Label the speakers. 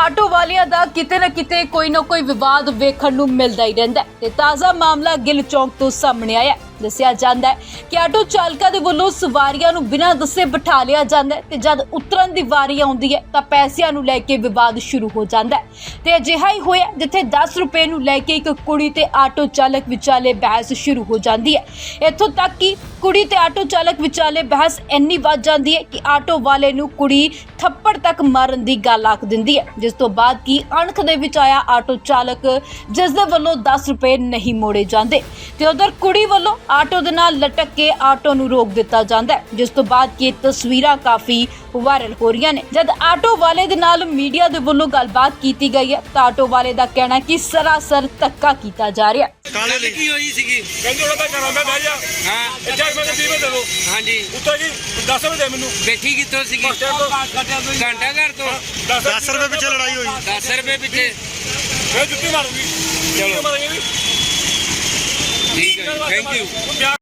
Speaker 1: Auto ਵਾਲਿਆਂ ਦਾ ਕਿਤੇ ਨਾ ਕਿਤੇ ਕੋਈ ਨਾ ਕੋਈ ਵਿਵਾਦ ਵੇਖਣ ਨੂੰ ਮਿਲਦਾ ਹੀ ਰਹਿੰਦਾ ਹੈ ਤੇ ਤਾਜ਼ਾ ਮਾਮਲਾ ਗਿੱਲ ਚੌਂਕ ਤੋਂ ਸਾਹਮਣੇ ਆਇਆ। ਦੱਸਿਆ ਜਾਂਦਾ ਹੈ ਕਿ ਆਟੋ ਚਾਲਕਾਂ ਦੇ ਵੱਲੋਂ ਸਵਾਰੀਆਂ ਨੂੰ ਬਿਨਾਂ ਦੱਸੇ ਬਿਠਾ ਲਿਆ ਜਾਂਦਾ ਹੈ ਤੇ ਜਦ ਉਤਰਨ ਦੀ ਵਾਰੀ ਆਉਂਦੀ ਹੈ ਤਾਂ ਪੈਸਿਆਂ ਨੂੰ ਲੈ ਕੇ ਵਿਵਾਦ ਸ਼ੁਰੂ ਹੋ ਜਾਂਦਾ ਹੈ ਤੇ ਅਜਿਹਾ ਹੀ ਹੋਇਆ ਜਿੱਥੇ 10 ਰੁਪਏ ਨੂੰ ਲੈ ਕੇ ਇੱਕ ਕੁੜੀ ਤੇ ਆਟੋ ਚਾਲਕ ਵਿਚਾਲੇ ਬਹਿਸ ਸ਼ੁਰੂ ਹੋ ਜਾਂਦੀ ਹੈ। ਇੱਥੋਂ ਤੱਕ ਕਿ ਕੁੜੀ ਤੇ ਆਟੋ ਚਾਲਕ ਵਿਚਾਲੇ ਬਹਿਸ ਇੰਨੀ ਵੱਧ ਜਾਂਦੀ ਹੈ ਕਿ ਆਟੋ ਵਾਲੇ ਨੂੰ ਕੁੜੀ ਥੱਪੜ ਤੱਕ ਮਾਰਨ ਦੀ ਗੱਲ ਆਖ ਦਿੰਦੀ ਹੈ, ਜਿਸ ਤੋਂ ਬਾਅਦ ਕੀ ਅਣਖ ਦੇ ਵਿੱਚ ਆਇਆ ਆਟੋ ਚਾਲਕ ਜਿਸ ਦੇ ਵੱਲੋਂ 10 ਰੁਪਏ ਨਹੀਂ ਮੋੜੇ ਜਾਂਦੇ ਤੇ ਉਧਰ ਕੁੜੀ ਵੱਲੋਂ ਆਟੋ ਦੇ ਨਾਲ ਲਟਕ ਕੇ ਆਟੋ ਨੂੰ ਰੋਕ ਦਿੱਤਾ ਜਾਂਦਾ ਹੈ, ਜਿਸ ਤੋਂ ਬਾਅਦ ਕੀ ਤਸਵੀਰਾਂ ਕਾਫੀ ਵਾਇਰਲ ਹੋ ਰਹੀਆਂ ਨੇ। ਜਦ ਆਟੋ ਵਾਲੇ ਦੇ ਨਾਲ ਮੀਡੀਆ ਦੇ ਵੱਲੋਂ ਗੱਲਬਾਤ ਕੀਤੀ ਗਈ ਹੈ ਤਾਂ ਆਟੋ ਵਾਲੇ ਦਾ ਕਹਿਣਾ ਕਿ ਸਰਾਸਰ ਧੱਕਾ ਕੀਤਾ ਜਾ ਰਿਹਾ ਹੈ।
Speaker 2: ਕਾਲੇ ਲਿਖੀ ਹੋਈ ਸੀਗੀ
Speaker 3: ਕਹਿੰਦੇ ਉਹਦਾ ਘਰਾਂ ਮੈਂ ਬਹਿ ਜਾ
Speaker 2: ਹਾਂ
Speaker 3: ਇੱਥੇ ਮੈਂ 20 ਰੁਪਏ ਦੇ ਦੋ
Speaker 2: ਹਾਂਜੀ
Speaker 3: ਉੱਤੋਂ ਜੀ 10 ਰੁਪਏ ਦੇ ਮੈਨੂੰ
Speaker 2: ਬੈਠੀ ਕਿੱਥੋਂ ਸੀਗੀ ਘੰਟਾ ਘਰ ਤੋਂ
Speaker 3: 10 ਰੁਪਏ ਪਿੱਛੇ ਲੜਾਈ ਹੋਈ
Speaker 2: 10 ਰੁਪਏ ਪਿੱਛੇ
Speaker 3: ਮੈਂ ਜੁੱਤੀ ਮਾਰੂੰਗੀ
Speaker 2: ਚਲੋ।
Speaker 3: ਮਾਰਾਂਗੇ
Speaker 2: ਠੀਕ ਹੈ ਥੈਂਕ ਯੂ